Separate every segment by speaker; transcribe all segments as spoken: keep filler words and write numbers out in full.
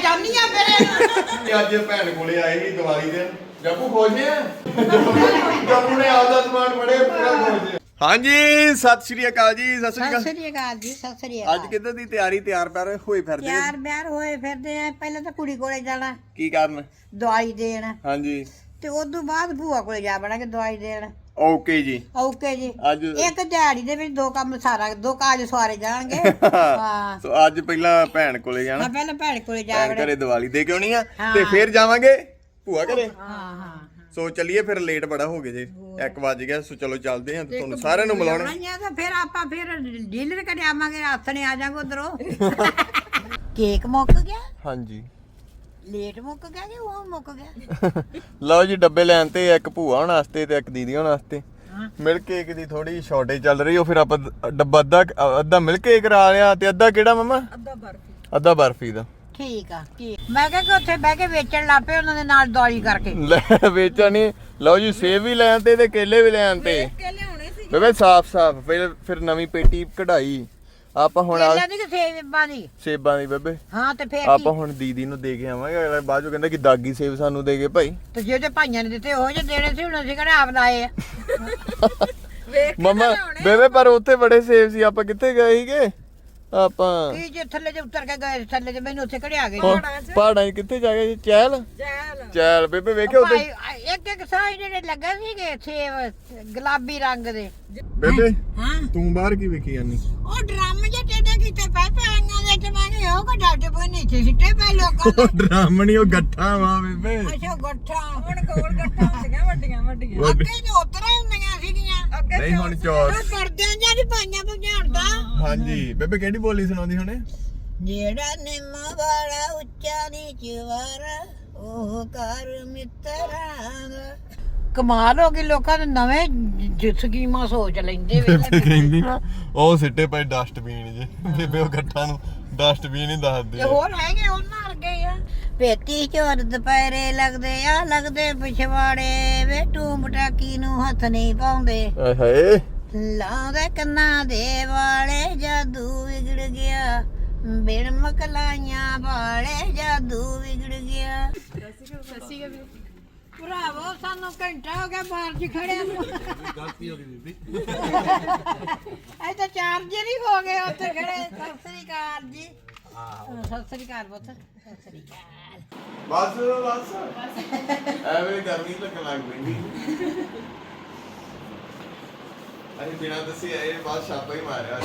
Speaker 1: ਚਾਹਨੀ ਆ ਫਿਰ
Speaker 2: ਅੱਜ ਭੈਣ ਕੋਲੇ ਆਏ ਸੀ ਦੀਵਾਲੀ ਦੇ ਜੱਪੂ ਖੁਸ਼ ਆ ਜੱਪੂ ਨੇ ਆਪਦਾ ਸਮਾਨ ਬੜੇ ਪੂਰਾ ਖੁਸ਼ ਆ ਹਾਂਜੀ ਸਤਿ ਸ਼੍ਰੀ ਅਕਾਲ ਜੀ ਸਤਿ ਸ਼੍ਰੀ ਅਕਾਲ
Speaker 1: ਸਤਿ ਸ੍ਰੀ ਅਕਾਲ ਜੀ ਸਤਿ ਸ੍ਰੀ ਅਕਾਲ
Speaker 2: ਅੱਜ ਕਿੱਦਾਂ ਦੀ ਤਿਆਰੀ ਤਿਆਰ ਪਰ ਹੋਏ ਫਿਰਦੇ
Speaker 1: ਯਾਰ ਬਿਆਰ ਹੋਏ ਫਿਰਦੇ ਆ ਪਹਿਲਾਂ ਤਾਂ ਕੁੜੀ ਕੋਲੇ ਜਾਣਾ
Speaker 2: ਕੀ ਕਰਨ
Speaker 1: ਦਵਾਈ ਦੇਣ
Speaker 2: ਹਾਂਜੀ
Speaker 1: ਤੇ ਉਸ ਤੋਂ ਬਾਅਦ ਭੂਆ ਕੋਲੇ ਜਾ ਬਣਾ ਕੇ ਦਵਾਈ ਦੇਣ
Speaker 2: ਓਕੇ ਜੀ
Speaker 1: ਓਕੇ ਜੀ
Speaker 2: ਅੱਜ
Speaker 1: ਇੱਕ ਦਿਹਾੜੀ ਦੇ ਵਿੱਚ ਦੋ ਕੰਮ ਸਾਰਾ ਦੋ ਕਾਜ ਸਵਾਰੇ ਜਾਣਗੇ ਹਾਂ
Speaker 2: ਸੋ ਅੱਜ ਪਹਿਲਾਂ ਭੈਣ ਕੋਲੇ ਜਾਣਾ
Speaker 1: ਹਾਂ ਪਹਿਲਾਂ ਭੈਣ ਕੋਲੇ ਜਾ
Speaker 2: ਭੈਣ
Speaker 1: ਵੜੇ
Speaker 2: ਘਰੇ ਦੀਵਾਲੀ ਦੇ ਕੇ ਆਉਣੀ ਆ ਤੇ ਫਿਰ ਜਾਵਾਂਗੇ ਭੂਆ ਘਰੇ
Speaker 1: ਹਾਂ ਹਾਂ
Speaker 2: ਸੋ ਚੱਲੀਏ ਫਿਰ ਲੇਟ ਬੜਾ ਹੋ ਗਿਆ ਜੀ ਇੱਕ ਵੱਜ ਗਿਆ ਸੋ ਚਲੋ ਚੱਲਦੇ ਹਾਂ ਤੇ ਤੁਹਾਨੂੰ ਸਾਰਿਆਂ ਨੂੰ ਮਿਲਾਉਣਾ
Speaker 1: ਆਉਣਾ ਤਾਂ ਫਿਰ ਆਪਾਂ ਫਿਰ ਡੀਲਰ ਘਰੇ ਆਵਾਂਗੇ ਹੱਥ ਨੇ ਆ ਜਾਾਂਗੇ ਉਧਰੋਂ ਕੇਕ ਮੁੱਕ ਗਿਆ
Speaker 2: ਹਾਂਜੀ
Speaker 1: ਲੇਟ ਮੁੱਕ ਗਿਆ ਕਿ ਉਹ ਮੁੱਕ ਗਿਆ
Speaker 2: ਲਓ ਜੀ ਡੱਬੇ ਲੈਣ ਤੇ ਇੱਕ ਭੂਆ ਹੋਣ ਵਾਸਤੇ ਤੇ ਇੱਕ ਦੀਦੀ ਹੋਣ ਵਾਸਤੇ ਮਿਲਕ ਕੇਕ ਦੀ ਥੋੜੀ ਸ਼ਾਰਟੇਜ ਚੱਲ ਰਹੀ ਉਹ ਫਿਰ ਆਪਾਂ ਡੱਬਾ ਅੱਧਾ ਅੱਧਾ ਮਿਲਕ ਕੇਕ ਕਰਾ ਲਿਆ ਤੇ ਅੱਧਾ ਕਿਹੜਾ ਮਮਾ
Speaker 1: ਅੱਧਾ ਬਰਫੀ
Speaker 2: ਅੱਧਾ ਬਰਫੀ ਦਾ
Speaker 1: ਠੀਕ ਆ ਠੀਕ ਮੈਂ ਕਿਹਾ ਕਿ ਉੱਥੇ ਬਹਿ ਕੇ ਵੇਚਣ ਲੱਪੇ ਉਹਨਾਂ ਦੇ ਨਾਲ ਦਵਾਈ ਕਰਕੇ
Speaker 2: ਲੈ ਵੇਚਣੀ ਲਓ ਜੀ ਸੇਬ ਵੀ ਲੈਣ ਤੇ ਤੇ ਕੇਲੇ ਵੀ ਲੈਣ ਤੇ ਬੇਬੇ ਸਾਫ ਸਾਫ ਫਿਰ ਫਿਰ ਨਵੀਂ ਪੇਟੀ ਕਢਾਈ ਆਪਾਂ ਹੁਣ
Speaker 1: ਕੇਲਿਆਂ ਦੀ ਕਿ ਸੇਬਾਂ ਦੀ
Speaker 2: ਸੇਬਾਂ ਦੀ ਬੇਬੇ
Speaker 1: ਹਾਂ ਤੇ ਫੇਰ
Speaker 2: ਆਪਾਂ ਹੁਣ ਦੀਦੀ ਨੂੰ ਦੇ ਕੇ ਆਵਾਂਗੇ ਅਗਲਾ ਬਾਅਦ ਚੋਂ ਕਹਿੰਦਾ ਕਿ ਦਾਗੀ ਸੇਬ ਸਾਨੂੰ ਦੇ ਗਏ ਭਾਈ
Speaker 1: ਤੇ ਜੇ ਤੇ ਭਾਈਆਂ ਨੇ ਦਿੱਤੇ ਉਹ ਜੇ ਦੇਣੇ ਸੀ ਹੁਣ ਅਸੀਂ ਕਿਹੜਾ ਆਪ ਲਾਏ ਆ
Speaker 2: ਮਮਾ ਬੇਬੇ ਪਰ ਉੱਥੇ ਬੜੇ ਸੇਬ ਸੀ ਆਪਾਂ ਕਿੱਥੇ ਗਏ ਸੀਗੇ ਆਪਾਂ
Speaker 1: ਕੀ ਜੇ ਥੱਲੇ ਤੇ ਉਤਰ ਕੇ ਗਏ ਥੱਲੇ ਤੇ ਮੈਨੂੰ ਉੱਥੇ ਘੜਿਆ ਗਏ
Speaker 2: ਪਹਾੜਾਂ 'ਚ ਕਿੱਥੇ ਜਾ ਗਏ ਚਹਿਲ ਚਹਿਲ ਬੇਬੇ ਵੇਖਿਓ ਉੱਥੇ
Speaker 1: ਇੱਕ ਇੱਕ ਸਾਈ ਜਿਹੜੇ ਲੱਗੇ ਸੀਗੇ ਸੇਬ ਗੁਲਾਬੀ ਰੰਗ ਦੇ
Speaker 2: ਬੇਬੇ
Speaker 1: ਹਾਂ
Speaker 2: ਤੂੰ ਬਾਹਰ ਕੀ ਵੇਖੀ ਜਾਨੀ
Speaker 1: ਉਹ ਡਰਮ ਜੇ ਟੇਡੇ ਕੀਤੇ ਪਏ ਪਾਈਆਂ ਦੇ ਤੇ ਮੈਂ ਕਿਹਾ ਉਹ ਕੋ ਡਾਟੇ ਪਏ ਨਹੀਂ ਸੀ ਸਿੱਟੇ ਪਏ ਲੋਕਾਂ ਦੇ
Speaker 2: ਡਰਮ ਨਹੀਂ ਉਹ ਗੱਠਾ ਵਾ ਬੇਬੇ
Speaker 1: ਅੱਛਾ ਗੱਠਾ ਹੁਣ ਕੋਲ ਗੱਠਾ ਹੁੰਦੀਆਂ ਵੱਡੀਆਂ ਵੱਡੀਆਂ ਅੱਗੇ ਤੇ ਉਤਰਾ ਹੁੰਦੀਆਂ ਸੀਗੀਆਂ
Speaker 2: ਨਹੀਂ ਹੁਣ ਚੌਰ
Speaker 1: ਉਹ ਪਰਦਿਆਂ ਜਾਂ ਦੀ ਪਾਈਆਂ ਭਜਾਉਂਦਾ
Speaker 2: ਹਾਂਜੀ ਬੇਬੇ ਕਿਹੜੀ ਬੋਲੀ ਸੁਣਾਉਂਦੀ ਹੁਣੇ
Speaker 1: ਜਿਹੜਾ ਨਿੰਮ ਵਾਲਾ ਉੱਚਾ ਨੀਚ ਵਾਰਾ ਉਹ ਕਰ ਮਿੱਤਰਾਂ ਦਾ ਕਮਾਲ ਹੋ ਗਈ ਲੋਕਾਂ ਦੇ ਨਵੇਂ ਸਕੀਮਾਂ ਸੋਚ ਲੈਂਦੇ ਵੇ
Speaker 2: ਕਹਿੰਦੀ ਨਾ ਉਹ ਸਿੱਟੇ ਪਏ ਡਸਟਬਿਨ ਜੇ ਬੇਬੇ ਉਹ ਗੱਠਾਂ ਨੂੰ ਡਸਟਬਿਨ ਹੀ ਦੱਸਦੇ
Speaker 1: ਹੋਰ ਹੈਗੇ ਉਹਨਾਂ ਵਰਗੇ ਆ ਪੇਤੀ ਚੋਰ ਦੁਪਹਿਰੇ ਲੱਗਦੇ ਆ ਲੱਗਦੇ ਪਿਛਵਾੜੇ ਵੇ ਟੂਮ ਪਟਾਕੀ ਨੂੰ ਹੱਥ ਨਹੀਂ ਪਾਉਂਦੇ
Speaker 2: ਆਏ ਹਾਏ
Speaker 1: ਲਾਉਂਦੇ ਕੰਨਾਂ ਦੇ ਵਾਲੇ ਜਾਦੂ ਵਿਗੜ ਗਿਆ ਬਿਨ ਮਕਲਾਈਆਂ ਵਾਲੇ ਜਾਦੂ ਵਿਗੜ ਗਿਆ ਭਰਾਵੋ ਸਾਨੂੰ ਘੰਟਾ ਹੋ ਗਿਆ ਬਾਹਰ ਚ ਖੜਿਆ ਨੂੰ ਗਲਤੀ ਹੋ ਗਈ ਬੀਬੀ ਇਹ ਤਾਂ ਚਾਰਜਰ ਹੀ ਹੋ ਗਏ ਉੱਥੇ ਖੜੇ ਸਤਿ ਸ੍ਰੀ ਅਕਾਲ ਜੀ ਸਤਿ ਸ੍ਰੀ ਅਕਾਲ ਪੁੱਤ ਸਤਿ ਸ੍ਰੀ ਅਕਾਲ
Speaker 2: ਬਸ ਬਸ ਐਵੇਂ ਗਰਮੀ ਲੱਗਣ ਲੱਗ ਪੈਂਦੀ ਅਸੀਂ ਬਿਨਾਂ ਦੱਸੇ ਆਏ ਬਾਅਦ ਛਾਪਾ ਹੀ ਮਾਰਿਆ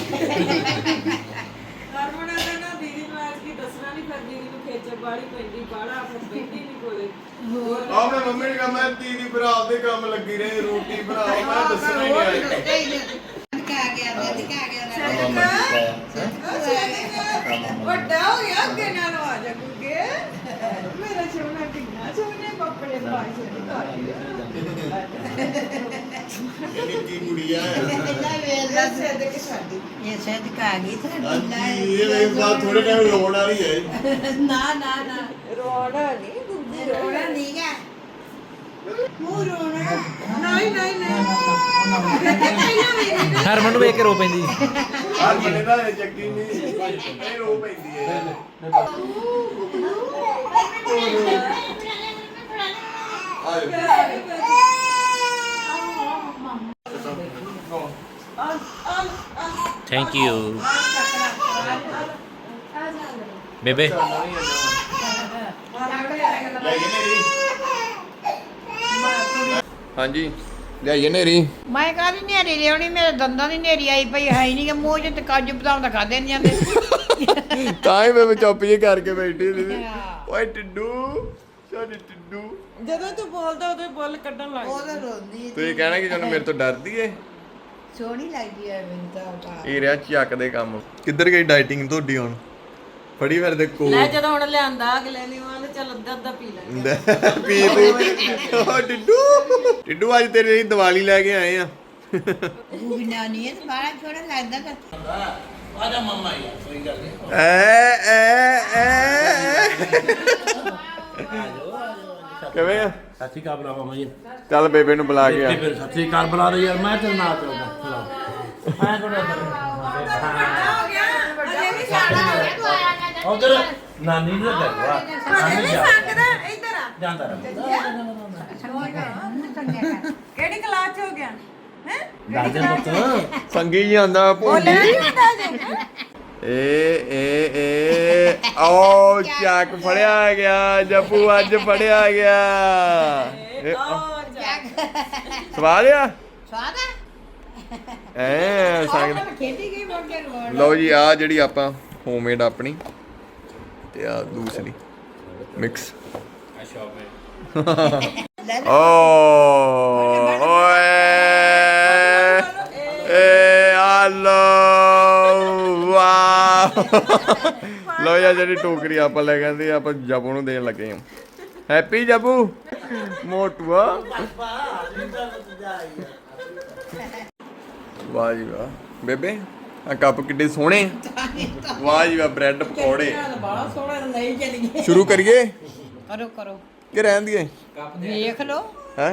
Speaker 3: ਹਰਮਨ ਦਾ ਨਾ ਦੀਦੀ ਨੂੰ ਆਜ ਕੀ ਦੱਸਣਾ ਨਹੀਂ ਫਿਰ ਦੀਦੀ ਨੂੰ ਖੇਚਲ ਬਾੜੀ ਪੈਂਦੀ ਬਾੜਾ ਫਿਰ ਪੈਂਦੀ ਨਹੀਂ ਕੋਲੇ
Speaker 2: ਆ ਮੈਂ ਮੰਮੀ ਨੇ ਕਹਾ ਮੈਂ ਦੀਦੀ ਭਰਾ ਦੇ ਕੰਮ ਲੱਗੀ ਰਹੀ ਰੋਟੀ ਬਣਾਓ ਮੈਂ ਦੱਸਣਾ ਹੀ ਨਹੀਂ ਆਇਆ
Speaker 1: ਦਿਖਾ ਗਿਆ ਦੇ ਦਿਖਾ ਗਿਆ
Speaker 3: ਵੱਡਾ ਹੋ ਗਿਆ ਅੱਗੇ ਨਾਲ ਆ ਜਾ ਗੁੱਗੇ ਮੇਰਾ ਸੋਨਾ ਕਿੰਨਾ ਸੋਹਣੇ ਕੱਪੜੇ ਪਾਏ ਸੋਹਣੇ
Speaker 2: ਇਹ ਨਿੱਕੀ ਗੁੜੀਆ ਹੈ
Speaker 3: ਇਹ ਸਦਕ ਸਾਡੀ
Speaker 1: ਇਹ ਸਦਕ ਆ ਗਈ
Speaker 2: ਹਾਂਜੀ ਇਹ ਵੇਖ ਬਾਅਦ ਥੋੜੇ ਟਾਈਮ ਰੋਣ ਵਾਲੀ ਹੈ
Speaker 1: ਨਾ ਨਾ ਨਾ
Speaker 3: ਰੋਣਾ ਨਹੀਂ ਗੁੱਗੇ
Speaker 1: ਰੋਣਾ ਨਹੀਂ ਗਾ ਮੂੰਹ ਰੋਣਾ
Speaker 3: ਨਹੀਂ ਨਹੀਂ ਨਹੀਂ
Speaker 4: ਹਰਮਨ ਨੂੰ ਵੇਖ ਕੇ ਰੋ ਪੈਂਦੀ
Speaker 2: ਹਰ ਬੰਦੇ ਦਾ ਚੱਕੀ ਨਹੀਂ ਇਹ ਰੋ ਪੈਂਦੀ ਹੈ
Speaker 4: ਥੈਂਕ ਯੂ ਬੇਬੇ
Speaker 2: ਹਾਂਜੀ ਲਿਆਈਏ ਨੇਰੀ
Speaker 1: ਮੈਂ ਕਾਹਦੀ ਨੇਰੀ ਲਿਆਉਣੀ ਮੇਰੇ ਦੰਦਾਂ ਦੀ ਨੇਰੀ ਆਈ ਪਈ ਹੈ ਹੀ ਨਹੀਂ ਕਿ ਮੂੰਹ ਚ ਤੇ ਕਾਜੂ ਬਦਾਮ ਤਾਂ ਖਾਦੇ ਨਹੀਂ ਜਾਂਦੇ
Speaker 2: ਤਾਂ ਹੀ ਮੈਂ ਚੁੱਪ ਜੀ ਕਰਕੇ ਬੈਠੀ ਸੀ ਓਏ ਟਿੱਡੂ ਸਾਡੀ ਟਿੱਡੂ
Speaker 3: ਜਦੋਂ ਤੂੰ ਬੋਲਦਾ ਉਦੋਂ ਬੁੱਲ ਕੱਢਣ ਲੱਗ
Speaker 1: ਉਹ ਤਾਂ ਰੋਂਦੀ
Speaker 2: ਤੁਸੀਂ ਕਹਿਣਾ ਕਿ ਜਦੋਂ ਮੇਰੇ ਤੋਂ ਡਰਦੀ ਏ
Speaker 1: ਸੋਹਣੀ ਲੱਗਦੀ ਹੈ ਮੈਨੂੰ ਤਾਂ
Speaker 2: ਇਹ ਰਿਹਾ ਚੱਕ ਦੇ ਕੰਮ ਕਿੱਧਰ ਗਈ ਡਾਈਟਿੰਗ ਤੁਹਾਡੀ ਹੁਣ ਫੜੀ ਫਿਰ ਦੇ ਕੋ
Speaker 3: ਲੈ ਜਦੋਂ ਹੁਣ ਲਿਆਂਦਾ ਅਗਲੇ ਨੇ ਉਹ ਚੱਲ ਅੱਧਾ ਅੱਧਾ ਪੀ ਲੈ
Speaker 2: ਪੀ ਤੂੰ ਓ ਟਿੱਡੂ ਟਿੱਡੂ ਅੱਜ ਤੇਰੇ ਲਈ ਦੀਵਾਲੀ ਲੈ ਕੇ ਆਏ ਆ
Speaker 1: ਉਹ ਬਿਨਾ ਨਹੀਂ ਇਹ ਬਾਹਰ ਛੋੜਾ ਲੱਗਦਾ ਤਾਂ
Speaker 4: ਆਜਾ ਮਮਾ ਯਾਰ ਸਹੀ ਗੱਲ ਹੈ
Speaker 2: ਐ ਐ ਐ ਕਿਵੇਂ ਆ
Speaker 4: ਸਤਿ ਸ਼੍ਰੀ ਅਕਾਲ ਬੁਲਾ ਮਮਾ ਜੀ
Speaker 2: ਚੱਲ ਬੇਬੇ ਨੂੰ ਬੁਲਾ ਕੇ ਆ
Speaker 4: ਬੇਬੇ ਸਤਿ ਸ਼੍ਰੀ ਅਕਾਲ ਬੁਲਾ ਦੇ ਯਾਰ ਮੈਂ ਤੇਰੇ ਨਾਲ ਚੱਲਦਾ ਮੈਂ ਕੋਲ
Speaker 3: ਹੋ ਗਿਆ ਅਜੇ ਵੀ ਸਿਆਣਾ ਹੋ ਗਿਆ ਤੂੰ ਆਇਆ
Speaker 4: ਉਧਰ ਨਾਨੀ ਨੂੰ ਕਰਵਾ
Speaker 3: ਹਲੇ ਵੀ ਸੰਗਦਾ ਇੱਧਰ ਆ
Speaker 4: ਜਾਂਦਾ ਰਹਿ
Speaker 3: ਕਿਹੜੀ ਕਲਾਸ ਚ ਹੋ ਗਿਆ ਹੈ
Speaker 4: ਦਾਦੇ ਪੁੱਤ
Speaker 2: ਸੰਗੀ ਜੀ ਆਂਦਾ ਭੋਲੀ
Speaker 3: ਨਹੀਂ ਹੁੰਦਾ ਜੇ
Speaker 2: ਏ ਏ ਏ ਓ ਚੱਕ ਫੜਿਆ ਗਿਆ ਜੱਪੂ ਅੱਜ ਫੜਿਆ ਗਿਆ ਇਹ ਸਵਾਦ ਆ
Speaker 1: ਸਵਾਦ ਹੈ
Speaker 2: ਐ ਸੰਗ
Speaker 1: ਮੈਂ ਖੇਡੀ ਗਈ ਮੁੜ ਕੇ ਰੋਣ
Speaker 2: ਲਓ ਜੀ ਆ ਜਿਹੜੀ ਆਪਾਂ ਹੋਮਮੇਡ ਆਪਣੀ ਤੇ ਆ ਦੂਸਰੀ ਮਿਕਸ ਓ ਓਏ ਏ ਆਲੋ ਵਾਹ ਲਓ ਯਾ ਜਿਹੜੀ ਟੋਕਰੀ ਆਪਾਂ ਲੈ ਗਏ ਆਪਾਂ ਜੱਪੂ ਨੂੰ ਦੇਣ ਲੱਗੇ ਹਾਂ ਹੈਪੀ ਜੱਪੂ ਮੋਟੂਆ ਵਾਹ ਜੀ ਵਾਹ ਬੇਬੇ ਆ ਕੱਪ ਕਿੱਡੇ ਸੋਹਣੇ ਵਾਹ ਜੀ ਵਾਹ ਬ੍ਰੈਡ ਪਕੌੜੇ
Speaker 1: ਬੜਾ ਸੋਹਣਾ ਲਈ ਚਲੀ ਗਈ
Speaker 2: ਸ਼ੁਰੂ ਕਰੀਏ
Speaker 1: ਕਰੋ ਕਰੋ
Speaker 2: ਕਿ ਰਹਿਣ ਦੀਏ
Speaker 1: ਵੇਖ ਲਓ
Speaker 2: ਹੈ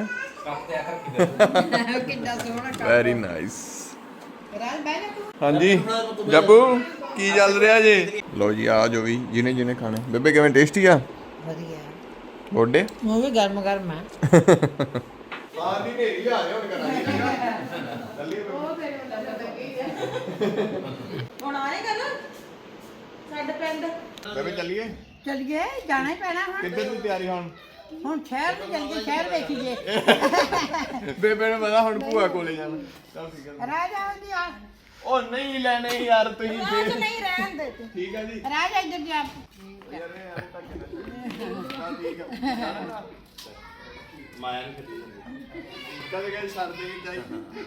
Speaker 1: ਕਿੰਨਾ ਸੋਹਣਾ ਕੰਮ
Speaker 2: ਵੈਰੀ ਨਾਈਸ
Speaker 1: ਰਾਜ ਬਹਿ ਜਾ ਤੂੰ
Speaker 2: ਹਾਂਜੀ ਜੱਪੂ ਕੀ ਚੱਲ ਰਿਹਾ ਜੀ ਲਓ ਜੀ ਆ ਜੋ ਵੀ ਜਿਹਨੇ ਜਿਹਨੇ ਖਾਣੇ ਬੇਬੇ ਕਿਵੇਂ ਟੇਸਟੀ ਆ
Speaker 1: ਵਧੀਆ
Speaker 2: ਗੋਡੇ
Speaker 1: ਉਹ ਵੀ ਗਰਮ ਗਰਮ ਹੈ
Speaker 2: ਬਾਹਰ ਦੀ ਨੇਰੀ ਆ ਰਿਹਾ ਹੁਣ ਕਰਾਂਗੇ
Speaker 3: ਹੁਣ ਆਏਗਾ ਨਾ ਸਾਡੇ ਪਿੰਡ
Speaker 2: ਬੇਬੇ ਚੱਲੀਏ
Speaker 1: ਚਲੀਏ ਜਾਣਾ ਹੀ ਪੈਣਾ ਹੁਣ
Speaker 2: ਕਿੱਧਰ ਦੀ ਤਿਆਰੀ ਹੁਣ
Speaker 1: ਹੁਣ ਸ਼ਹਿਰ ਨੂੰ ਚੱਲ ਕੇ ਸ਼ਹਿਰ ਵੇਖੀਏ
Speaker 2: ਬੇਬੇ ਨੂੰ ਪਤਾ ਹੁਣ ਭੂਆ ਕੋਲੇ ਜਾਣਾ ਚੱਲ ਠੀਕ ਹੈ
Speaker 1: ਰਾਜ ਆਉਂਦੀ ਆ
Speaker 2: ਉਹ ਨਹੀਂ ਲੈਣੇ ਯਾਰ ਤੁਸੀਂ
Speaker 1: ਰਾਜ
Speaker 2: ਫੇਰ
Speaker 1: ਨਹੀਂ ਰਹਿਣ ਦੇ ਤੂੰ
Speaker 2: ਠੀਕ ਹੈ ਜੀ
Speaker 1: ਰਾਜ ਇੱਧਰ ਜਾ
Speaker 2: ਯਾਰ ਇਹ ਐਂ ਧੱਕੇ ਨਾਲ ਚੱਲ ਠੀਕ ਹੈ ਜਾਣਾ
Speaker 4: ਮਾਇਆ ਨੂੰ ਖੇਤੀ
Speaker 2: ਕਦੇ ਕਦੇ ਸਰਦੇ ਨਹੀਂ ਚਾਹੀਦੀ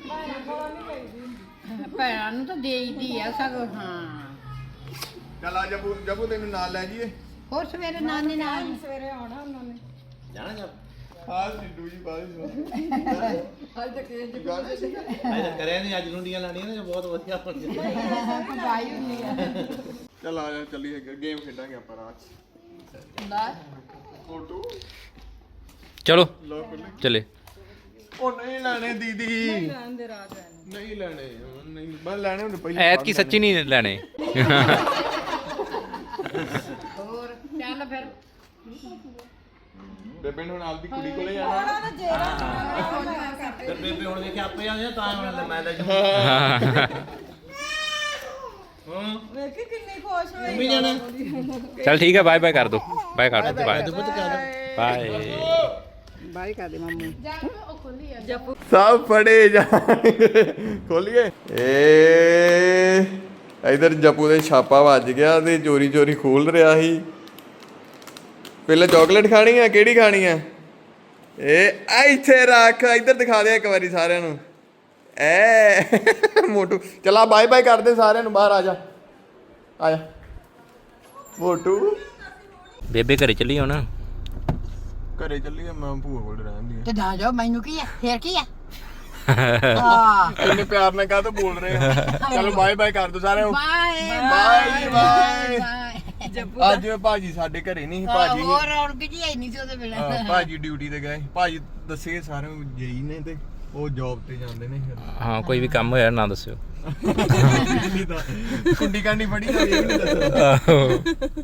Speaker 1: ਭੈਣਾਂ ਨੂੰ ਤਾਂ ਦੇਈਦੀ ਆ ਸਗੋਂ ਹਾਂ
Speaker 2: ਚੱਲ ਆ ਜੱਪੂ ਜੱਪੂ ਤੈਨੂੰ ਨਾਲ ਲੈ ਜਾਈਏ
Speaker 1: ਹੋਰ ਸਵੇਰੇ ਨਾਨੀ ਨਾਲ
Speaker 3: ਸਵੇਰੇ ਆਉਣਾ ਉਹਨਾਂ ਨੇ
Speaker 4: ਜਾਣਾ ਜਾ
Speaker 2: ਹਾਂ ਸਿੰਡੂ ਜੀ ਬਾਅਦ
Speaker 3: ਅੱਜ ਤੱਕ ਇਹ
Speaker 2: ਵਿੱਚ ਗੱਲ
Speaker 4: ਅੱਜ ਕਰਿਆ ਨਹੀਂ ਅੱਜ ਲੁੰਡੀਆਂ ਲਾਣੀਆਂ ਨੇ ਬਹੁਤ ਵਧੀਆ ਬਣ ਗਿਆ
Speaker 1: ਬਾਈ ਹੁੰਦੀ ਆ
Speaker 2: ਚੱਲ ਆ ਜਾ ਚੱਲੀਏ ਗੇਮ ਖੇਡਾਂਗੇ ਆਪਾਂ ਰਾਤ ਚ
Speaker 1: ਲੈ
Speaker 2: ਫੋਟੋ
Speaker 5: ਚਲੋ
Speaker 2: ਲੋ ਖੁੱਲੇ
Speaker 5: ਚਲੇ
Speaker 2: ਉਹ ਨਹੀਂ ਲੈਣੇ ਦੀਦੀ
Speaker 3: ਦੇ ਰਾਤ
Speaker 2: ਨਹੀਂ ਲੈਣੇ ਨਹੀਂ ਬਸ ਲੈਣੇ ਹੁੰਦੇ ਪਹਿਲੇ
Speaker 5: ਐਤ ਕੀ ਸੱਚੀ ਨਹੀਂ ਲੈਣੇ
Speaker 1: ਹੋਰ ਚੱਲ ਫਿਰ
Speaker 2: ਬੇਬੇ ਨੂੰ ਨਾਲ ਦੀ ਕੁੜੀ ਕੋਲੇ ਜਾਣਾ
Speaker 4: ਤੇ ਬੇਬੇ ਹੁਣ ਵੇਖਿਆ ਆਪੇ ਆਉਂਦੇ ਤਾਂ ਹੁਣ ਮੈਂ ਲੈ ਜਾ ਹਾਂ
Speaker 3: ਵੇਖੀ ਕਿੰਨੀ ਖੁਸ਼ ਹੋਈ
Speaker 4: ਮੰਮੀ ਜਾਣਾ
Speaker 5: ਚਲ ਠੀਕ ਹੈ ਬਾਏ ਬਾਏ ਕਰ ਦੋ ਬਾਏ ਕਰ ਦੋ ਬਾਏ
Speaker 4: ਪੁੱਤ ਕਰ
Speaker 5: ਬਾਏ
Speaker 1: ਬਾਈ ਕਰ ਦੇ ਮਾਮੂ
Speaker 2: ਸਭ ਫੜੇ ਜਾ ਖੋਲੀਏ ਏ ਇਧਰ ਜੱਪੂ ਦੇ ਛਾਪਾ ਵੱਜ ਗਿਆ ਤੇ ਚੋਰੀ ਚੋਰੀ ਖੋਲ ਰਿਹਾ ਸੀ ਪਹਿਲਾਂ ਚਾਕਲੇਟ ਖਾਣੀ ਆ ਕਿਹੜੀ ਖਾਣੀ ਆ ਇਹ ਆ ਇੱਥੇ ਰੱਖ ਇੱਧਰ ਦਿਖਾ ਦੇ ਇੱਕ ਵਾਰੀ ਸਾਰਿਆਂ ਨੂੰ ਐ ਮੋਟੂ ਚਲਾ ਬਾਏ ਬਾਏ ਕਰਦੇ ਸਾਰਿਆਂ ਨੂੰ ਬਾਹਰ ਆ ਜਾ ਆ ਜਾ ਮੋਟੂ
Speaker 5: ਬੇਬੇ ਘਰੇ ਚੱਲੀ ਹੁਣ
Speaker 2: ਘਰੇ ਚੱਲੀਏ ਮੈਂ ਭੂਆ ਕੋਲ ਰਹਿੰਦੀ
Speaker 1: ਤੇ ਨਾ ਜਾਓ ਮੈਨੂੰ ਕੀ ਆ ਫੇਰ ਕੀ ਆ ਹਾਂ
Speaker 2: ਇੰਨੇ ਪਿਆਰ ਨਾਲ ਕਾਹ ਤੋਂ ਬੋਲ ਰਹੇ ਆ ਚਲੋ ਬਾਏ ਬਾਏ ਕਰ ਦੋ ਸਾਰਿਆਂ ਨੂੰ
Speaker 1: bye
Speaker 2: bye ji, bye.
Speaker 1: Bye
Speaker 2: ਅੱਜ ਭਾਜੀ ਸਾਡੇ ਘਰੇ ਨਹੀਂ ਸੀ ਭਾਜੀ
Speaker 1: ਹੋਰ ਰੌਣਕ ਜੀ ਹੈ ਨਹੀਂ ਸੀ ਉਹਦੇ ਬਿਨਾਂ
Speaker 2: ਹਾਂ, ਭਾਜੀ ਡਿਊਟੀ ਤੇ ਗਏ ਭਾਜੀ ਦੱਸੇ ਸਾਰਿਆਂ ਨੂੰ ਜਈ ਨੇ ਤੇ ਉਹ ਜੌਬ ਤੇ ਜਾਂਦੇ ਨੇ
Speaker 5: ਹਾਂ ਕੋਈ ਵੀ ਕੰਮ ਹੋਇਆ ਨਾ ਦੱਸਿਓ
Speaker 2: ਨਹੀਂ ਤਾਂ ਕੁੰਡੀ ਕਾਂਡੀ ਫੜੀ ਤਾਂ ਇਹ ਵੀ ਨਹੀਂ ਦੱਸਦਾ
Speaker 5: ਆਹੋ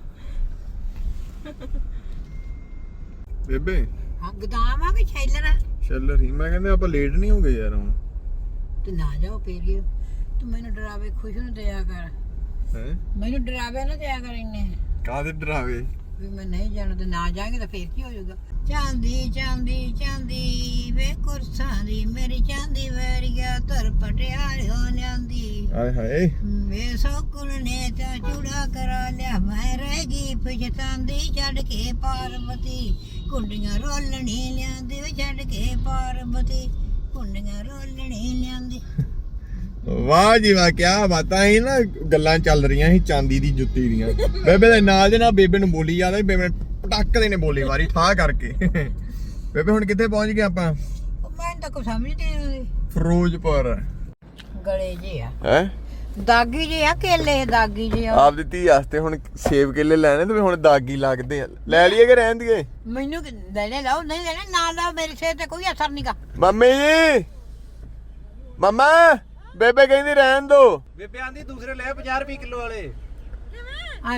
Speaker 2: ਬੇਬੇ
Speaker 1: ਹਾਂ ਗਦਾਮ ਆ ਕਿ ਛੈਲਰ ਆ
Speaker 2: ਚੱਲ ਰਹੀ ਮੈਂ ਕਹਿੰਦੇ ਆਪਾਂ ਲੇਟ ਨਹੀਂ ਹੋ ਗਏ ਯਾਰ ਹੁਣ
Speaker 1: ਤੇ ਨਾ ਜਾਓ ਫੇਰ ਤੂੰ ਮੈਨੂੰ ਡਰਾਵੇ ਖੁਸ਼ ਨੂੰ ਦਿਆ ਕਰ
Speaker 2: ਹੈ
Speaker 1: ਮੈਨੂੰ ਡਰਾਵੇ ਨਾ ਦਿਆ ਕਰ ਇੰਨੇ
Speaker 2: ਕਾਹਦੇ ਡਰਾਵੇ
Speaker 1: ਵੀ ਮੈਂ ਨਹੀਂ ਜਾਣਾ ਤੇ ਨਾ ਜਾਾਂਗੇ ਤਾਂ ਫੇਰ ਕੀ ਹੋ ਜਾਊਗਾ ਚਾਂਦੀ ਚਾਂਦੀ ਚਾਂਦੀ ਵੇ ਕੁਰਸਾਂ ਦੀ ਮੇਰੀ ਚਾਂਦੀ ਵੈਰੀਆ ਧਰ ਪਟਿਆਲਿਓ ਲਿਆਂਦੀ
Speaker 2: ਆਏ ਹਾਏ
Speaker 1: ਵੇ ਸੋਕੁਲ ਨੇ ਤਾਂ ਚੂੜਾ ਕਰਾ ਲਿਆ ਮੈਂ ਰਹਿ ਗਈ ਪਛਤਾਂਦੀ ਛੱਡ ਕੇ ਪਾਰਵਤੀ ਕੁੰਡੀਆਂ ਰੋਲਣੀ ਲਿਆਂਦੀ ਵੇ ਛੱਡ ਕੇ ਪਾਰਵਤੀ ਕੁੰਡੀਆਂ ਰੋਲਣੀ ਲਿਆਂਦੀ
Speaker 2: ਵਾਹ ਜੀ ਵਾਹ ਕੀ ਬਾਤਾਂ ਸੀ ਨਾ ਗੱਲਾਂ ਚੱਲ ਰਹੀਆਂ ਸੀ ਚਾਂਦੀ ਦੀ ਜੁੱਤੀ ਦੀਆਂ ਬੇਬੇ ਦੇ ਨਾਲ ਦੇ ਨਾਲ ਬੇਬੇ ਨੂੰ ਬੋਲੀ ਜਾਂਦਾ ਬੇਬੇ ਪਟੱਕ ਦੇ ਨੇ ਬੋਲੀ ਵਾਰੀ ਠਾ ਕਰਕੇ ਬੇਬੇ ਹੁਣ ਕਿੱਥੇ ਪਹੁੰਚ ਗਏ ਆਪਾਂ
Speaker 1: ਮੈਂ ਤਾਂ ਕੁਝ ਸਮਝ ਨਹੀਂ ਆਉਂਦੀ
Speaker 2: ਫਿਰੋਜ਼ਪੁਰ
Speaker 1: ਗਲੇ ਜੇ ਆ
Speaker 2: ਹੈ
Speaker 1: ਦਾਗੀ ਜੇ ਆ ਕੇਲੇ ਦਾਗੀ ਜੇ ਆ
Speaker 2: ਆਪ ਦੀ ਧੀ ਵਾਸਤੇ ਹੁਣ ਸੇਬ ਕੇਲੇ ਲੈਣੇ ਤੇ ਹੁਣ ਦਾਗੀ ਲੱਗਦੇ ਆ ਲੈ ਲਈਏ ਕਿ ਰਹਿਣ ਦੀਏ
Speaker 1: ਮੈਨੂੰ ਕਿ- ਲੈਣੇ ਲਾਓ ਨਹੀਂ ਲੈਣੇ ਨਾ ਲਾਓ ਮੇਰੇ ਸਿਰ ਤੇ ਕੋਈ ਅਸਰ ਨਹੀਂਗਾ
Speaker 2: ਮੰਮੀ ਜੀ ਮਮਾ ਬੇਬੇ ਕਹਿੰਦੀ ਰਹਿਣ ਦੋ
Speaker 4: ਬੇਬੇ ਆਂਦੀ ਦੂਸਰੇ ਲੈ ਪੰਜਾਹ ਰੁਪਏ ਕਿਲੋ ਵਾਲੇ
Speaker 1: ਐਵੇਂ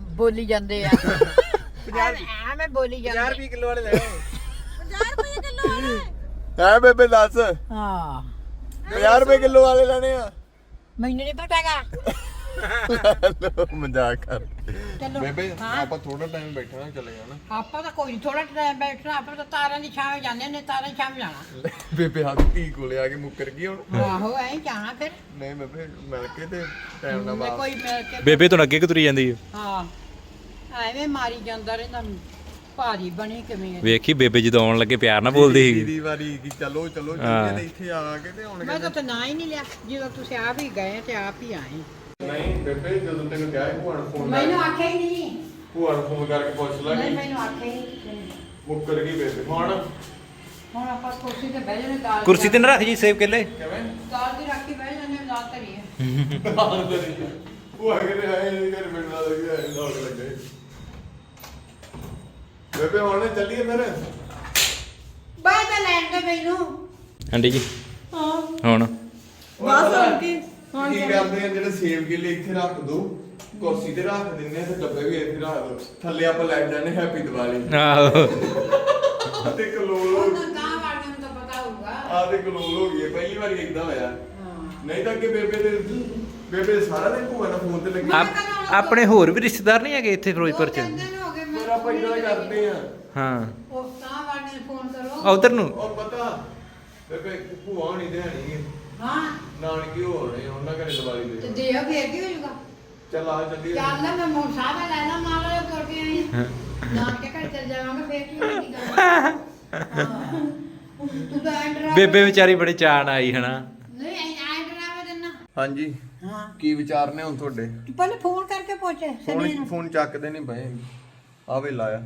Speaker 1: ਬੋਲੀ ਜਾਂਦੇ ਆ ਐਵੇਂ ਬੋਲੀ ਜਾਂਦੇ
Speaker 4: ਪੰਜਾਹ ਰੁਪਏ ਕਿਲੋ ਵਾਲੇ ਲੈ
Speaker 3: ਪੰਜਾਹ ਰੁਪਏ ਕਿਲੋ ਵਾਲੇ
Speaker 2: ਹੈ ਬੇਬੇ ਦੱਸ
Speaker 1: ਹਾਂ
Speaker 2: ਪੰਜਾਹ ਰੁਪਏ ਕਿਲੋ ਵਾਲੇ ਲੈਣੇ ਆ
Speaker 1: ਮੈਨੂੰ ਨਹੀਂ ਪਤਾਗਾ
Speaker 2: ਲੋ ਮਜ਼ਾਕ ਕਰ
Speaker 1: ਚਲੋ
Speaker 2: ਬੇਬੇ
Speaker 1: ਹਾਂ।
Speaker 2: ਆਪਾਂ ਥੋੜਾ ਟਾਈਮ ਬੈਠਣਾ ਚਲੇ ਜਾਣਾ
Speaker 1: ਆਪਾਂ ਤਾਂ ਕੋਈ ਥੋੜਾ ਟਾਈਮ ਬੈਠਣਾ ਆਪਾਂ ਤਾਂ ਤਾਰਾਂ ਦੀ ਛਾਂ ਜਾਂਦੇ ਨੇ ਤਾਰਾਂ ਦੀ ਛਾਂ ਜਾਣਾ
Speaker 2: ਬੇਬੇ ਹੱਥ ਧੀ ਕੋਲੇ ਆ ਕੇ ਮੁੱਕਰ ਗਈ ਹੁਣ
Speaker 1: ਆਹੋ ਐਂ ਜਾਣਾ ਫਿਰ
Speaker 2: ਨਹੀਂ ਬੇਬੇ ਮਿਲ ਕੇ ਤੇ ਟਾਈਮ ਨਾਲ
Speaker 1: ਮੈਂ
Speaker 2: ਵਾਪਸ
Speaker 1: ਕੋਈ ਮਿਲ ਕੇ
Speaker 5: ਬੇਬੇ ਤੋਂ ਅੱਗੇ ਕਿ ਤੁਰੀ ਜਾਂਦੀ ਹੈ
Speaker 1: ਹਾਂ ਐਵੇਂ ਮਾਰੀ ਜਾਂਦਾ ਰਹਿੰਦਾ ਭਾਰੀ ਬਣੀ ਕਿਵੇਂ ਹੈ।
Speaker 5: ਵੇਖੀ ਬੇਬੇ ਜਦੋਂ ਆਉਣ ਲੱਗੇ ਪਿਆਰ ਨਾਲ ਬੋਲਦੀ ਸੀ
Speaker 2: ਦੀਦੀ ਵਾਰੀ ਕੀ ਚਲੋ ਚਲੋ
Speaker 5: ਹਾਂ।
Speaker 2: ਜੀ ਤੇ ਇੱਥੇ ਆ ਕੇ ਤੇ ਹੁਣ
Speaker 1: ਮੈਂ ਤਾਂ ਤਾਂ ਨਾ ਹੀ ਨਹੀਂ ਲਿਆ ਜਦੋਂ ਤੁਸੀਂ ਆਪ ਹੀ ਗਏ ਤੇ ਆਪ ਹੀ ਆਏ
Speaker 2: ਨਹੀਂ ਬੇਬੇ ਜਦੋਂ ਤੈਨੂੰ ਕਿਹਾ ਭੂਆ ਨੂੰ ਫੋਨ
Speaker 1: ਮੈਨੂੰ ਆਖਿਆ ਹੀ ਨਹੀਂ
Speaker 2: ਭੂਆ ਨੂੰ ਫੋਨ ਕਰਕੇ ਪੁੱਛ
Speaker 1: ਨਹੀਂ
Speaker 2: ਲਾਂਗੇ
Speaker 1: ਮੈਨੂੰ ਆਖਿਆ ਹੀ ਨਹੀਂ
Speaker 2: ਮੁੱਕਰ ਗਈ ਬੇਬੇ ਹੁਣ
Speaker 1: ਹੁਣ ਆਪਾਂ ਕੁਰਸੀ ਤੇ ਬਹਿ ਜਾਣੇ ਦਾਲ
Speaker 5: ਕੁਰਸੀ ਤੇ ਨਾ ਰੱਖ ਜੀ ਸੇਬ ਕੇਲੇ
Speaker 2: ਕਿਵੇਂ
Speaker 1: ਦਾਲ ਦੀ ਰੱਖੀ ਬਹਿ ਜਾਣੇ ਦਾਲ ਧਰੀ ਹੈ
Speaker 2: ਭੂਆ ਕਹਿੰਦੇ ਆਏ ਇਹ ਘਰ ਮਿਲਣ ਵਾਲਾ ਵੀ ਆਏ ਲੋਕ ਲੱਗੇ ਬੇਬੇ ਹੁਣ ਚੱਲੀਏ ਫਿਰ
Speaker 1: ਬਾਹਰ ਤਾਂ ਲੈਣ ਦੇ ਮੈਨੂੰ
Speaker 5: ਆਂਟੀ ਜੀ
Speaker 1: ਹਾਂ
Speaker 5: ਹੁਣ
Speaker 3: ਬਸ ਹੁਣ ਕੀ ਹੁਣ
Speaker 2: ਕੀ ਕਰਦੇ ਆ ਜਿਹੜੇ ਸੇਬ ਕੇਲੇ ਇੱਥੇ ਰੱਖ ਦੋ ਕੁਰਸੀ ਤੇ ਰੱਖ ਦਿੰਨੇ ਆ ਤੇ ਡੱਬੇ ਵੀ ਇੱਥੇ ਰੱਖ ਦੋ ਥੱਲੇ ਆਪਾਂ ਲੈ ਜਾਂਦੇ ਹੈਪੀ ਦੀਵਾਲੀ
Speaker 5: ਆਹੋ
Speaker 2: ਤੇ ਕਲੋਲ ਹੋ
Speaker 1: ਤਾਂ ਗਾਂ ਵਾਲਿਆਂ ਨੂੰ ਤਾਂ ਪਤਾ ਹੋਊਗਾ
Speaker 2: ਆ ਤੇ ਕਲੋਲ ਹੋ ਗਈ ਹੈ, ਪਹਿਲੀ ਵਾਰੀ ਇਦਾਂ ਹੋਇਆ ਨਹੀਂ ਤਾਂ ਅੱਗੇ ਬੇਬੇ ਦੇ ਬੇਬੇ ਸਾਰਾ ਦਿਨ ਭੂਆ ਨਾਲ ਫੋਨ ਤੇ ਲੱਗੀ
Speaker 5: ਆਪ- ਆਪਣੇ ਹੋਰ ਵੀ ਰਿਸ਼ਤੇਦਾਰ ਨਹੀਂ ਹੈਗੇ ਇੱਥੇ ਫਿਰੋਜ਼ਪੁਰ ਚ
Speaker 1: ਕਹਿੰਦੇ ਨੇ ਹੋ ਗਏ ਮੈਂ
Speaker 2: ਫਿਰ ਆਪਾਂ ਇਦਾਂ ਕਰਦੇ ਆ
Speaker 5: ਹਾਂ
Speaker 1: ਉਹ ਤਾਂ ਵਾਲਿਆਂ ਨੂੰ ਫੋਨ ਕਰੋ
Speaker 5: ਉਧਰ ਨੂੰ
Speaker 2: ਉਹ ਪਤਾ ਬੇਬੇ ਭੂਆ ਹੋਣੀ ਤੇ ਹਣੀ
Speaker 1: ਹਾਂ
Speaker 2: ਨਾਨਕੀ ਹੋਣੇ ਉਹਨਾਂ ਘਰੇ ਦੀਵਾਲੀ
Speaker 1: ਤੇ
Speaker 2: ਦੇ
Speaker 1: ਦੇਹ ਫੇਰ ਕੀ ਹੋ ਜਾਊਗਾ
Speaker 2: ਚੱਲ ਆ ਚੱਲੀਏ
Speaker 1: ਚੱਲ ਮੈਂ ਮੋਟਰ ਸਾਹਿਬ ਲੈ ਲਾ ਮਾਰ ਲਿਆ ਤੁਰ ਕੇ ਆਈ ਨਾ ਕੇ ਘਰ ਚੱਲ ਜਾਵਾਂਗੇ ਫੇਰ ਕੀ ਹੋਣੀ ਗੱਲ ਹਾਂ। ਤੂੰ ਤਾਂ ਐਂਡਰਾ
Speaker 5: ਬੇਬੇ ਵਿਚਾਰੀ ਬੜੇ ਚਾਅ ਨਾਲ ਆਈ ਹਨਾ
Speaker 1: ਨਹੀਂ ਐਂਡਰਾ ਵੇ ਦਿੰਨਾ
Speaker 2: ਹਾਂਜੀ
Speaker 1: ਹਾਂ
Speaker 2: ਕੀ ਵਿਚਾਰ ਨੇ ਹੁਣ ਤੁਹਾਡੇ
Speaker 1: ਤੂੰ ਪਹਿਲੇ ਫੋਨ ਕਰਕੇ ਪੁੱਛ ਸਨੀ
Speaker 2: ਫੋਨ
Speaker 1: ਨੂੰ
Speaker 2: ਫੋਨ ਚੱਕਦੇ ਨਹੀਂ ਪਏ ਆਵੇ ਲਾਇਆ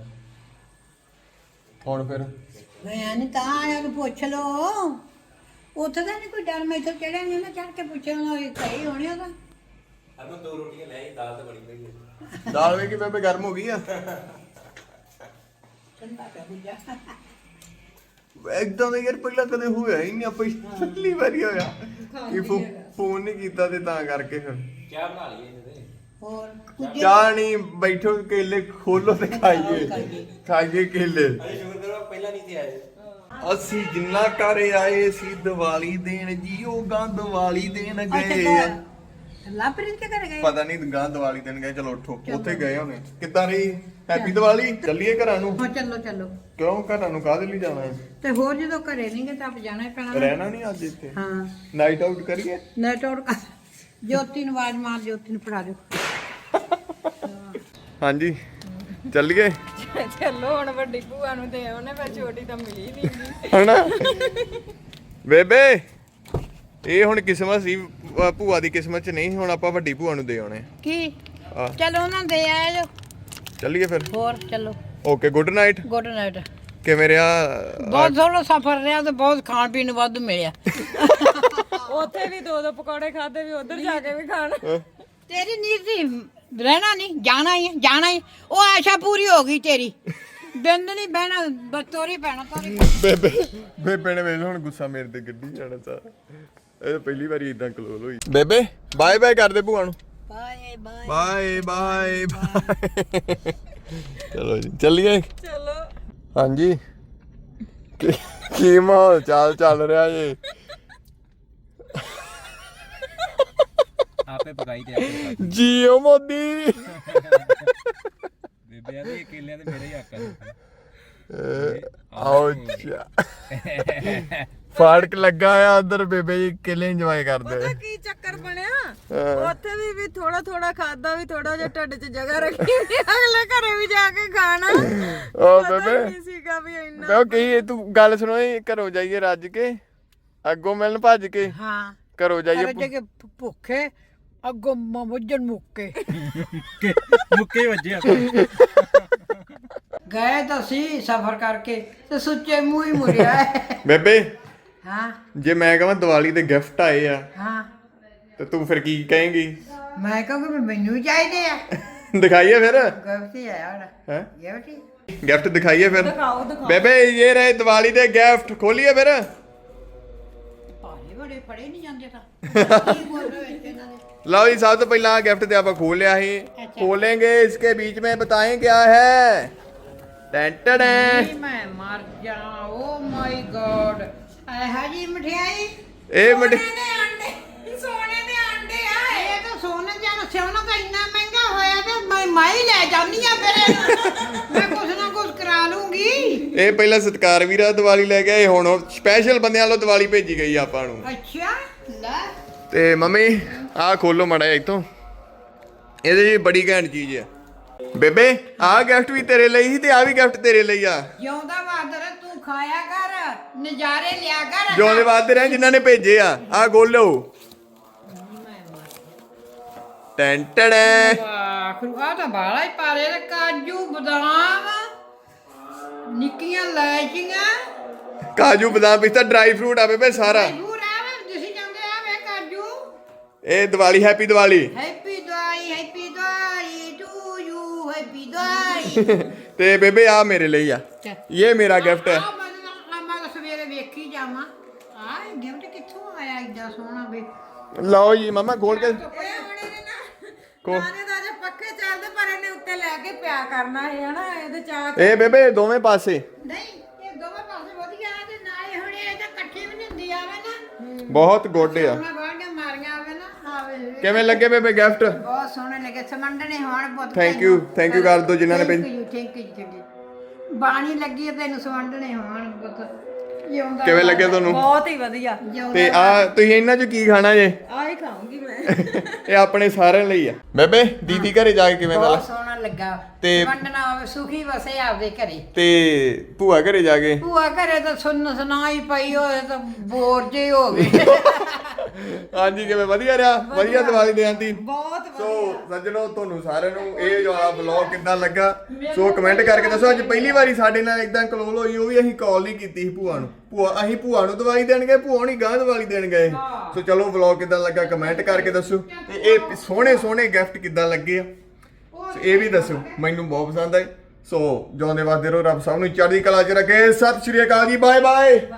Speaker 2: ਹੁਣ ਫਿਰ
Speaker 1: ਮੈਂ ਨਹੀਂ ਤਾਂ ਆਇਆ ਨੂੰ ਪੁੱਛ ਲੋ ਉੱਥੇ ਤਾਂ ਨਹੀਂ ਕੋਈ ਡਰ ਮੈਂ ਇੱਥੇ ਚੜਿਆ ਨਹੀਂ ਨਾ ਚੜ ਕੇ ਪੁੱਛਣਾ ਇਹ ਸਹੀ ਹੋਣੀ ਉਹਦਾ
Speaker 4: ਅਰਮਨ ਦੋ ਰੋਟੀਆਂ ਲੈ ਆਈ ਦਾਲ ਤੇ ਬਣੀ ਪਈ ਹੈ
Speaker 2: ਦਾਲ ਵੇ ਕਿ ਬੇਬੇ ਗਰਮ ਹੋ ਗਈ ਆ
Speaker 1: ਠੰਡਾ ਕਰ ਜਾ
Speaker 2: ਇੱਕਦਮ ਦਾ ਯਾਰ ਪਹਿਲਾਂ ਕਦੇ ਹੋਇਆ ਹੀ ਨਹੀਂ ਆਪਾਂ ਪਹਿਲੀ ਵਾਰੀ ਹੋਇਆ ਕਿ ਫੋਨ ਨਹੀਂ ਕੀਤਾ ਤੇ ਤਾਂ ਕਰਕੇ ਫਿਰ
Speaker 4: ਚਾਹ ਬਣਾ ਲਈਏ ਇਹਨੇ ਤੇ
Speaker 1: ਹੋਰ ਕੁਝ
Speaker 2: ਚਾਹ ਨਹੀਂ ਬੈਠੋ ਕੇਲੇ ਖੋਲੋ ਤੇ ਖਾਈਏ ਖਾਈਏ ਕੇਲੇ
Speaker 4: ਅਰੇ ਸ਼ੁਕਰ ਕਰੋ ਪਹਿਲਾਂ ਨਹੀਂ ਤੇ ਆਏ
Speaker 2: ਅਸੀਂ ਜਿੰਨਾ ਘਰ ਆਏ ਸੀ ਦੀਵਾਲੀ ਦੇਣ ਜੀ ਉਹ ਗਾਂ ਦੀਵਾਲੀ ਦੇਣ ਗਏ ਆ।
Speaker 1: ਲਾਪਰੀਤ ਕੇ ਕਰ ਗਏ
Speaker 2: ਪਤਾ ਨਹੀਂ ਗਾਂ ਦੀਵਾਲੀ ਦੇਣ ਗਏ ਚਲੋ ਉੱਠੋ ਉੱਥੇ ਗਏ ਹੋਣੇ ਕਿੱਦਾਂ ਰਹੀ ਹੈਪੀ ਦੀਵਾਲੀ ਚੱਲੀਏ ਘਰਾਂ ਨੂੰ
Speaker 1: ਹਾਂ ਚੱਲੋ ਚੱਲੋ
Speaker 2: ਕਿਉਂ ਘਰਾਂ ਨੂੰ ਕਾਹਦੇ ਲਈ ਜਾਣਾ ਹੈ
Speaker 1: ਤੇ ਹੋਰ ਜਦੋਂ ਘਰੇ ਨਹੀਂਗੇ ਤਾਂ ਆਪ ਜਾਣਾ ਹੀ ਪੈਣਾ
Speaker 2: ਰਹਿਣਾ ਨਹੀਂ ਅੱਜ ਇੱਥੇ
Speaker 1: ਹਾਂ
Speaker 2: ਨਾਈਟ ਆਊਟ ਕਰੀਏ
Speaker 1: ਨੈਟਵਰਕ ਜੋਤੀ ਨੂੰ ਆਵਾਜ਼ ਮਾਰ ਜੋਤੀ ਨੂੰ ਫੜਾ ਦਿਓ
Speaker 2: ਹਾਂਜੀ ਚੱਲੀਏ
Speaker 3: ਚੱਲੋ ਹੁਣ ਵੱਡੀ ਭੂਆ ਨੂੰ ਦੇ ਉਹਨੇ ਫਿਰ ਛੋਟੀ ਤਾਂ ਮਿਲੀ ਨਹੀਂ
Speaker 2: ਹਣਾ ਬੇਬੇ ਇਹ ਹੁਣ ਕਿਸਮਤ ਸੀ ਅਹ ਭੂਆ ਦੀ ਕਿਸਮਤ ਚ ਨਹੀਂ ਹੁਣ ਆਪਾਂ ਵੱਡੀ ਭੂਆ ਨੂੰ ਦੇ ਆਉਣੇ
Speaker 1: ਕੀ
Speaker 2: ਆ
Speaker 1: ਚਲੋ ਉਹਨਾਂ ਦੇ ਆਏ ਜੋ
Speaker 2: ਚੱਲੀਏ ਫਿਰ
Speaker 1: ਹੋਰ ਚਲੋ
Speaker 2: okay good night
Speaker 1: good night
Speaker 2: ਕਿਵੇਂ ਰਿਹਾ
Speaker 1: ਬਹੁਤ ਸੋਹਣਾ ਸਫ਼ਰ ਰਿਹਾ ਤੇ ਬਹੁਤ ਖਾਣ ਪੀਣ ਨੂੰ ਵਾਧੂ ਮਿਲਿਆ
Speaker 3: ਉੱਥੇ ਵੀ ਦੋ ਦੋ ਪਕੌੜੇ ਖਾਦੇ ਵੀ ਉਧਰ ਜਾ ਕੇ ਵੀ ਖਾਣ
Speaker 1: ਤੇਰੀ ਨੀਤ ਸੀ ਰਹਿਣਾ ਨਹੀਂ ਜਾਣਾ ਹੀ ਹੈ, ਜਾਣਾ ਹੀ ਉਹ ਆਸ਼ਾ ਪੂਰੀ ਹੋ ਗਈ ਤੇਰੀ ਬਿੰਦ ਨਹੀਂ ਬਹਿਣਾ ਬਸ ਤੋਰੀ ਪੈਣਾ ਤੋਰੀ
Speaker 2: ਬੇਬੇ ਬੇਬੇ ਨੇ ਵੇਖ ਹੁਣ ਗੁੱਸਾ ਮੇਰੇ ਤੇ ਗੱਡੀ ਜਾਣਾ ਸਾਰਾ ਇਹ ਤਾਂ ਪਹਿਲੀ ਵਾਰੀ ਇਦਾਂ ਕਲੋਲ ਹੋਈ ਬੇਬੇ ਬਾਏ ਬਾਏ ਕਰਦੇ ਭੂਆ ਨੂੰ
Speaker 1: ਬਾਏ ਬਾਏ
Speaker 2: ਬਾਏ ਬਾਏ ਚਲੋ ਜੀ ਚੱਲੀਏ
Speaker 3: ਚਲੋ
Speaker 2: ਹਾਂਜੀ ਕੀ- ਕੀ ਮਾਹੌਲ ਚਾਲ ਚੱਲ ਰਿਹਾ ਜੀ
Speaker 5: ਆਪੇ ਪਕਾਈ ਤੇ ਆਪੇ ਖਾ
Speaker 2: ਜੀਓ ਮੋਦੀ
Speaker 5: ਬੇਬੇ ਆ ਤੇ ਕੇਲਿਆਂ ਤੇ ਮੇਰੇ ਹੀ ਹੱਕ
Speaker 2: ਆਓ ਫਾੜਕ ਲੱਗਾ ਆ ਉਧਰ ਬੇਬੇ ਜੀ ਕਿਲੇ ਇੰਜੋਏ ਕਰਦੇ
Speaker 3: ਪਤਾ ਕੀ ਚੱਕਰ ਬਣਿਆ ਉੱਥੇ ਵੀ ਵੀ ਥੋੜਾ ਥੋੜਾ ਖਾਦਾ ਵੀ ਥੋੜਾ ਜਿਹਾ ਢਿੱਡ 'ਚ ਜਗ੍ਹਾ ਰੱਖੀ ਵੀ ਅਗਲੇ ਘਰੇ ਵੀ ਜਾ ਕੇ ਖਾਣਾ
Speaker 2: ਓ
Speaker 3: ਪਤਾ
Speaker 2: ਬੇਬੇ
Speaker 3: ਕੀ ਸੀਗਾ ਵੀ ਇੰਨਾ
Speaker 2: ਮੈਂ ਕਹੀ ਤੂੰ ਗੱਲ ਸੁਣੋ ਇਹ ਘਰੋਂ ਜਾਈਏ ਰੱਜ ਕੇ ਅੱਗੋਂ ਮਿਲਣ ਭੱਜ ਕੇ
Speaker 1: ਹਾਂ
Speaker 2: ਘਰੋਂ ਜਾਈਏ
Speaker 1: ਅਰੇ ਜੇ ਭੁੱਖੇ ਅੱਗੋਂ ਮਮੁੱਜਣ ਮੁੱਕੇ
Speaker 5: ਮੁੱਕੇ ਵੱਜੇ
Speaker 1: ਗਏ ਤਾਂ ਸੀ ਸਫ਼ਰ ਕਰਕੇ ਤੇ ਸੁੱਚੇ ਮੂੰਹ ਹੀ ਮੁੜਿਆ
Speaker 2: ਬੇਬੇ
Speaker 1: ਹਾਂ
Speaker 2: ਜੇ ਮੈਂ ਕਹਾਂ ਦੀਵਾਲੀ ਦੇ ਗਿਫਟ ਆਏ ਆ
Speaker 1: ਹਾਂ
Speaker 2: ਤੇ ਤੂੰ ਫਿਰ ਕੀ ਕਹੇਂਗੀ
Speaker 1: ਮੈਂ ਕਹੂੰਗੀ ਵੀ ਮੈਨੂੰ ਵੀ ਚਾਹੀਦੇ ਆ
Speaker 2: ਦਿਖਾਈਏ ਫਿਰ
Speaker 1: ਗਲਤੀ ਆ ਯਾਰ
Speaker 2: ਹੈ
Speaker 1: ਗਲਤੀ
Speaker 2: ਗਿਫਟ ਦਿਖਾਈਏ ਫਿਰ
Speaker 3: ਦਿਖਾਓ ਦਿਖਾਓ
Speaker 2: ਬੇਬੇ ਇਹ ਰਹੇ ਦੀਵਾਲੀ ਦੇ ਗਿਫਟ ਖੋਲੀਏ ਫਿਰ
Speaker 1: ਭਾਰੇ ਬੜੇ ਫੜੇ ਨਹੀਂ ਜਾਂਦੇ ਤਾਂ ਕੀ ਬੋਲ ਰਹੇ ਵਿੱਚ ਇਹਨਾਂ ਦੇ
Speaker 2: लो जी सब तो पहला गिफ्ट ते आप खोल लिया ही खोलेंगे इसके बीच में बताएं क्या है टेंटन
Speaker 1: ਨਹੀਂ ਮੈਂ ਮਰ ਜਾ ਓ ਮਾਈ ਗॉड ਇਹ ਜੀ ਮਠਿਆਈ
Speaker 2: ए मट
Speaker 3: ਸੋਨੇ ਦੇ ਅੰਡੇ ਸੋਨੇ ਦੇ ਅੰਡੇ ਆ
Speaker 1: ਇਹ ਤਾਂ ਸੋਨੇ ਜਾਂ ਸੋਨਾ ਤਾਂ ਇੰਨਾ ਮਹਿੰਗਾ ਹੋਇਆ ਤੇ ਮੈਂ ਮੈਂ ਹੀ ਲੈ ਜਾਨੀ ਆ ਫਿਰ ਇਹਨੂੰ। ਮੈਂ ਕੁਛ ਨਾ ਕੁਛ ਕਰਾ ਲੂੰਗੀ
Speaker 2: ਇਹ ਪਹਿਲਾਂ ਸਤਕਾਰ ਵੀਰਾ ਦੀਵਾਲੀ ਲੈ ਕੇ ਆਏ ਹੁਣ ਸਪੈਸ਼ਲ ਬੰਦਿਆਂ ਵੱਲੋਂ ਦੀਵਾਲੀ ਭੇਜੀ ਗਈ ਆਪਾਂ ਨੂੰ
Speaker 1: ਅੱਛਾ ਲੈ
Speaker 2: ਤੇ ਮੰਮੀ ਆਹ ਖੋਲੋ ਮੜਾ ਇੱਥੋਂ ਇਹਦੇ ਜੀ ਬੜੀ ਘੈਂਟ ਚੀਜ਼ ਆ ਬੇਬੇ ਆਹ ਗਿਫਟ ਵੀ ਤੇਰੇ ਲਈ ਸੀ ਤੇ ਆਹ ਵੀ ਗਿਫਟ ਤੇਰੇ ਲਈ ਆ
Speaker 1: ਜਿਉਂਦਾ ਬਾਦਰ ਤੂੰ ਖਾਇਆ ਕਰ ਨਜ਼ਾਰੇ ਲਿਆ ਕਰ
Speaker 2: ਜਿਉਂਦੇ ਵਾਸਤੇ ਰਹਿ ਜਿਨ੍ਹਾਂ ਨੇ ਭੇਜੇ ਆ ਆਹ ਖੋਲੋ ਟੈਂਟੜ
Speaker 1: ਆਖਰੂ ਆ ਤਾਂ ਬਾਲਾ ਹੀ ਪਾਰੇ ਤੇ ਕਾਜੂ ਬਦਾਮ ਨਿੱਕੀਆਂ ਲੈਚੀਆਂ
Speaker 2: ਕਾਜੂ ਬਦਾਮ ਪਿਸਤਾ ਡਰਾਈ ਫਰੂਟ ਆ ਬੇਬੇ ਸਾਰਾ
Speaker 1: ਪੂਰਾ ਵੇ ਤੁਸੀਂ ਜਾਂਦੇ ਆ ਵੇ ਕਾਜੂ
Speaker 2: ਇਹ Diwali happy Diwali
Speaker 1: happy Diwali happy Diwali to you happy Diwali
Speaker 2: ਤੇ ਬੇਬੇ ਆ ਮੇਰੇ ਲਈ ਆ ਇਹ ਮੇਰਾ ਗਿਫਟ ਹੈ
Speaker 1: ਆ ਮੈਂ ਤਾਂ- ਮੈਂ ਤਾਂ ਸਵੇਰੇ ਵੇਖੀ ਜਾਵਾਂ ਆ ਗਿਫਟ ਕਿੱਥੋਂ ਆਇਆ ਏਡਾ ਸੋਹਣਾ ਵੇ
Speaker 2: ਲਓ ਜੀ ਮਮਾ ਖੋਲ ਕੇ
Speaker 3: ਇਹ ਹੁਣ ਇਹਨੇ ਨਾ
Speaker 2: ਕੋ
Speaker 3: ਨਾਨੇ ਦਾ ਜੇ ਪੱਕੇ ਚੱਲਦੇ ਪਰ ਇਹਨੇ ਉੱਤੇ ਲੈ ਕੇ ਪਿਆ ਕਰਨਾ ਹੈ ਹਨਾ ਇਹਦੇ ਚਾਹ
Speaker 2: ਇਹ ਬੇਬੇ ਦੋਵੇਂ ਪਾਸੇ
Speaker 1: ਨਹੀਂ ਇਹ ਦੋਵੇਂ ਪਾਸੇ ਵਧੀਆ ਤੇ ਨਾਲੇ ਹੁਣ ਇਹ ਤਾਂ ਇਕੱਠੇ ਵੀ ਨਹੀਂ ਹੁੰਦੀ ਆਵੇ ਨਾ
Speaker 2: ਬਹੁਤ ਗੁੱਡ ਆ
Speaker 1: ਮੈਂ ਬਾਹਰ ਮਾਰੀਆਂ ਆਵੇ ਨਾ ਆਵੇ
Speaker 2: ਕਿਵੇਂ ਲੱਗੇ ਬੇਬੇ ਗਿਫਟ
Speaker 1: ਬਹੁਤ ਸੋਹਣੇ ਲੱਗੇ ਸਮੰਡਣੇ ਹੋਣ ਬਹੁਤ
Speaker 2: ਥੈਂਕ ਯੂ ਥੈਂਕ ਯੂ ਕਰ ਦੋ ਜਿਨ੍ਹਾਂ ਨੇ ਭੇਜ-
Speaker 1: ਥੈਂਕ ਯੂ ਥੈਂਕ ਯੂ ਬਾਣੀ ਲੱਗੀ ਹੈ ਤੈਨੂੰ ਸਮੰਡਣੇ ਹੋਣ ਬਹੁਤ ਜਿਉਂਦਾ
Speaker 2: ਕਿਵੇਂ ਲੱਗੇ ਤੁਹਾਨੂੰ
Speaker 3: ਬਹੁਤ ਹੀ ਵਧੀਆ
Speaker 2: ਤੇ ਆ ਤੁਸੀਂ ਇਹਨਾਂ ਚ ਕੀ ਖਾਣਾ ਜੇ
Speaker 3: ਆਹੀ ਖਾਉਂਗੀ ਮੈਂ
Speaker 2: ਇਹ ਆਪਣੇ ਸਾਰਿਆਂ ਲਈ ਆ ਬੇਬੇ ਦੀਦੀ ਘਰੇ ਜਾ ਕੇ ਕਿਵੇਂ ਦਾ
Speaker 1: ਬਹੁਤ ਸੋਹਣਾ ਲੱਗਾ
Speaker 2: ਤੇ-
Speaker 1: ਵੰਡਣਾ ਹੋਵੇ ਸੁਖੀ ਵਸੇ ਆਪਦੇ ਘਰੇ
Speaker 2: ਤੇ ਭੂਆ ਘਰੇ ਜਾ ਕੇ
Speaker 1: ਭੂਆ ਘਰੇ ਤਾਂ ਸੁਣ ਸੁਣਾਈ ਪਈ ਹੋਏ ਤਾਂ ਬੋਰ ਜੇ ਹੋ ਗਏ
Speaker 2: ਹਾਂਜੀ ਕਿਵੇਂ ਵਧੀਆ ਰਿਹਾ ਵਧੀਆ ਦੀਵਾਲੀ ਦੇ ਆਂਦੀ
Speaker 3: ਬਹੁਤ
Speaker 2: ਸੋ ਸੱਜਣੋ ਤੁਹਾਨੂੰ ਸਾਰਿਆਂ ਨੂੰ ਇਹ ਜੋ ਆ ਵਲੌਗ ਕਿੱਦਾਂ ਲੱਗਾ ਸੋ ਕਮੈਂਟ ਕਰਕੇ ਦੱਸੋ ਅੱਜ ਪਹਿਲੀ ਵਾਰੀ ਸਾਡੇ ਨਾਲ ਇਦਾਂ ਕਲੋਲ ਹੋਈ ਉਹ ਵੀ ਅਸੀਂ ਕਾਲ ਨਹੀਂ ਕੀਤੀ ਸੀ ਭੂਆ ਨੂੰ ਭੂਆ ਅਸੀਂ ਭੂਆ ਨੂੰ ਦੀਵਾਲੀ ਦੇਣ ਗਏ ਭੂਆ ਨਹੀਂ ਗਾਂ ਦੀਵਾਲੀ ਦੇਣ ਗਏ ਸੋ ਚਲੋ ਵਲੌਗ ਕਿੱਦਾਂ ਲੱਗਾ ਕਮੈਂਟ ਕਰਕੇ ਦੱਸੋ ਤੇ ਇਹ ਸੋਹਣੇ ਸੋਹਣੇ ਗਿਫਟ ਕਿੱਦਾਂ ਲੱਗੇ ਆ ਸੋ ਇਹ ਵੀ ਦੱਸੋ ਮੈਨੂੰ ਬਹੁਤ ਪਸੰਦ ਆਏ ਸੋ ਜਿਉਂਦੇ ਵਾਸਤੇ ਰਹੋ ਰੱਬ ਸਭ ਨੂੰ ਚੜ੍ਹਦੀ ਕਲਾ 'ਚ ਰੱਖੇ ਸਤਿ ਸ਼੍ਰੀ ਅਕਾਲ ਜੀ ਬਾਏ ਬਾਏ